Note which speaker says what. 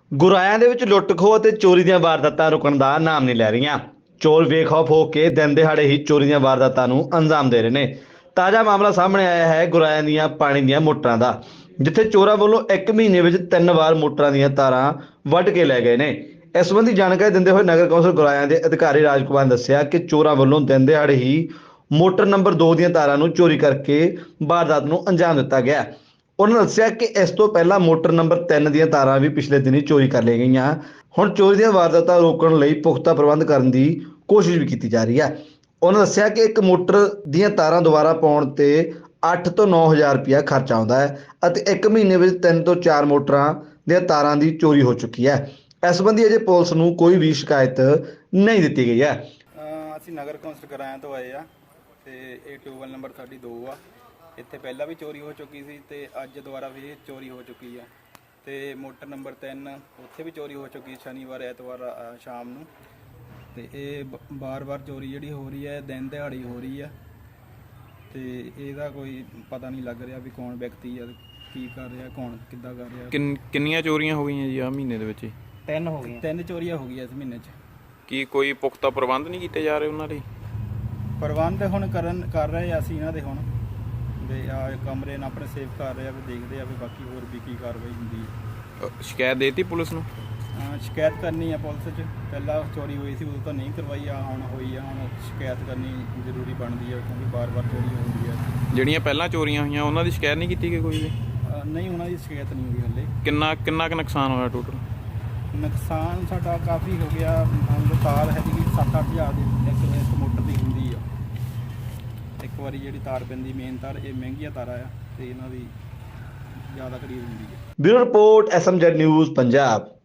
Speaker 1: ਗੁਰਾਇਆਂ ਦੇ ਵਿੱਚ ਲੁੱਟ ਖੋਹ ਅਤੇ ਚੋਰੀ ਦੀਆਂ ਵਾਰਦਾਤਾਂ ਰੁਕਣ ਦਾ ਨਾਮ ਨਹੀਂ ਲੈ ਰਹੀਆਂ। ਚੋਰ ਬੇਖੌਫ ਹੋ ਕੇ ਦਿਨ ਦਿਹਾੜੇ ਹੀ ਚੋਰੀ ਦੀਆਂ ਵਾਰਦਾਤਾਂ ਨੂੰ ਅੰਜਾਮ ਦੇ ਰਹੇ ਨੇ। ਤਾਜ਼ਾ ਮਾਮਲਾ ਸਾਹਮਣੇ ਆਇਆ ਹੈ ਗੁਰਾਇਆਂ ਦੀਆਂ ਪਾਣੀ ਦੀਆਂ ਮੋਟਰਾਂ ਦਾ, ਜਿੱਥੇ ਚੋਰਾਂ ਵੱਲੋਂ 1 ਮਹੀਨੇ ਵਿੱਚ 3 ਵਾਰ ਮੋਟਰਾਂ ਦੀਆਂ ਤਾਰਾਂ ਵੱਢ ਕੇ ਲੈ ਗਏ ਨੇ। ਇਸ ਸੰਬੰਧੀ ਜਾਣਕਾਰੀ ਦਿੰਦੇ ਹੋਏ ਨਗਰ ਕੌਂਸਲ ਗੁਰਾਇਆਂ ਦੇ ਅਧਿਕਾਰੀ ਰਾਜਕੁਮਾਰ ਨੇ ਦੱਸਿਆ ਕਿ ਚੋਰਾਂ ਵੱਲੋਂ ਦਿਨ ਦਿਹਾੜੇ ਹੀ ਮੋਟਰ ਨੰਬਰ 2 ਦੀਆਂ ਤਾਰਾਂ ਨੂੰ ਚੋਰੀ ਕਰਕੇ ਵਾਰਦਾਤ ਨੂੰ ਅੰਜਾਮ ਦਿੱਤਾ ਗਿਆ। ਉਹਨਾਂ ਦੱਸਿਆ ਕਿ ਇਸ ਤੋਂ ਪਹਿਲਾਂ ਮੋਟਰ ਨੰਬਰ 3 ਦੀਆਂ ਤਾਰਾਂ ਵੀ ਪਿਛਲੇ ਦਿਨੀ ਚੋਰੀ ਕਰ ਲਈਆਂ ਗਈਆਂ। ਹੁਣ ਚੋਰੀ ਦੀਆਂ ਵਾਰਦਾਤਾਂ ਰੋਕਣ ਲਈ ਪੁਖਤਾ ਪ੍ਰਬੰਧ ਕਰਨ ਦੀ ਕੋਸ਼ਿਸ਼ ਵੀ ਕੀਤੀ ਜਾ ਰਹੀ ਹੈ। ਉਹਨਾਂ ਦੱਸਿਆ ਕਿ ਇੱਕ ਮੋਟਰ ਦੀਆਂ ਤਾਰਾਂ ਦੁਬਾਰਾ ਪਾਉਣ ਤੇ 8 ਤੋਂ 9,000 ਰੁਪਇਆ ਖਰਚ ਆਉਂਦਾ ਹੈ ਅਤੇ 1 ਮਹੀਨੇ ਵਿੱਚ 3 ਤੋਂ 4 ਮੋਟਰਾਂ ਦੀਆਂ ਤਾਰਾਂ ਦੀ ਚੋਰੀ ਹੋ ਚੁੱਕੀ ਹੈ। ਇਸ ਸੰਬੰਧੀ ਅਜੇ ਪੁਲਿਸ ਨੂੰ ਕੋਈ ਵੀ ਸ਼ਿਕਾਇਤ ਨਹੀਂ ਦਿੱਤੀ ਗਈ ਹੈ।
Speaker 2: ਅਸੀਂ ਨਗਰ ਕੌਂਸਲ ਗੁਰਾਇਆਂ ਤੋਂ ਆਏ ਆ ਤੇ ਇਹ ਟਿਊਬਵੈੱਲ ਨੰਬਰ ਸਾਡੀ 2 ਆ। ਇੱਥੇ ਪਹਿਲਾਂ ਵੀ ਚੋਰੀ ਹੋ ਚੁੱਕੀ ਸੀ ਤੇ ਅੱਜ ਦੁਬਾਰਾ ਵੀ ਚੋਰੀ ਹੋ ਚੁੱਕੀ ਆ ਤੇ ਮੋਟਰ ਨੰਬਰ 3 ਉੱਥੇ ਵੀ ਚੋਰੀ ਹੋ ਚੁੱਕੀ ਸ਼ਨੀਵਾਰ ਐਤਵਾਰ ਸ਼ਾਮ ਨੂੰ। ਤੇ ਇਹ ਬਾਰ-ਬਾਰ ਚੋਰੀ ਜਿਹੜੀ ਹੋ ਰਹੀ ਹੈ ਦਿਨ ਦਿਹਾੜੀ ਹੋ ਰਹੀ ਆ ਤੇ ਇਹਦਾ ਕੋਈ ਪਤਾ ਨਹੀਂ ਲੱਗ ਰਿਹਾ ਵੀ ਕੌਣ ਵਿਅਕਤੀ ਆ, ਕੀ ਕਰ ਰਿਹਾ, ਕੌਣ ਕਿੱਦਾਂ ਕਰ ਰਿਹਾ।
Speaker 3: ਕਿੰਨੀਆਂ ਚੋਰੀਆਂ ਹੋ ਗਈਆਂ ਜੀ ਆ ਮਹੀਨੇ ਦੇ ਵਿੱਚ?
Speaker 2: 3 ਹੋ ਗਈਆਂ। 3 ਚੋਰੀਆਂ ਹੋ ਗਈਆਂ ਇਸ ਮਹੀਨੇ 'ਚ।
Speaker 3: ਕੀ ਕੋਈ ਪੁਖਤਾ ਪ੍ਰਬੰਧ ਨਹੀਂ ਕੀਤੇ ਜਾ ਰਹੇ ਉਹਨਾਂ ਲਈ?
Speaker 2: ਪ੍ਰਬੰਧ ਹੁਣ ਕਰ ਰਹੇ ਆ ਅਸੀਂ ਇਹਨਾਂ ਦੇ ਹੁਣ ਵੀ ਆ ਕਮਰੇ ਨਾਲ ਆਪਣੇ ਸੇਫ ਕਰ ਰਹੇ ਆ, ਵੀ ਦੇਖਦੇ ਆ ਵੀ ਬਾਕੀ ਹੋਰ ਵੀ ਕੀ ਕਾਰਵਾਈ ਹੁੰਦੀ ਹੈ।
Speaker 3: ਸ਼ਿਕਾਇਤ ਦੇਤੀ ਪੁਲਿਸ ਨੂੰ?
Speaker 2: ਸ਼ਿਕਾਇਤ ਕਰਨੀ ਆ ਪੁਲਿਸ 'ਚ। ਪਹਿਲਾਂ ਚੋਰੀ ਹੋਈ ਸੀ ਉਦੋਂ ਤਾਂ ਨਹੀਂ ਕਰਵਾਈ, ਆ ਹੁਣ ਹੋਈ ਆ, ਹੁਣ ਸ਼ਿਕਾਇਤ ਕਰਨੀ ਜ਼ਰੂਰੀ ਬਣਦੀ ਹੈ ਕਿਉਂਕਿ ਬਾਰ-ਬਾਰ ਚੋਰੀ ਹੁੰਦੀ ਹੈ।
Speaker 3: ਜਿਹੜੀਆਂ ਪਹਿਲਾਂ ਚੋਰੀਆਂ ਹੋਈਆਂ ਉਹਨਾਂ ਦੀ ਸ਼ਿਕਾਇਤ ਨਹੀਂ ਕੀਤੀ ਗਈ ਕੋਈ ਵੀ?
Speaker 2: ਨਹੀਂ, ਉਹਨਾਂ ਦੀ ਸ਼ਿਕਾਇਤ ਨਹੀਂ ਹੋਈ ਹਲੇ।
Speaker 3: ਕਿੰਨਾ ਕੁ ਨੁਕਸਾਨ ਹੋਇਆ ਟੋਟਲ?
Speaker 2: ਨੁਕਸਾਨ ਸਾਡਾ ਕਾਫੀ ਹੋ ਗਿਆ। ਹੁਣ ਤਾਰ ਹੈ ਜੀ 7-8 ਹਜ਼ਾਰ ਦੀ ਇੱਕ ਮੋਟਰ ਦੀ ਹੁੰਦੀ ਆ। ਇੱਕ ਵਾਰੀ ਜਿਹੜੀ ਤਾਰ ਪੈਂਦੀ ਮੇਨ ਤਾਰ, ਇਹ ਮਹਿੰਗੀਆਂ ਤਾਰਾਂ ਆ ਤੇ ਇਹਨਾਂ ਦੀ ਜ਼ਿਆਦਾ ਖਰੀਦ ਹੁੰਦੀ ਹੈ।
Speaker 1: Bureau report SMZ news Punjab.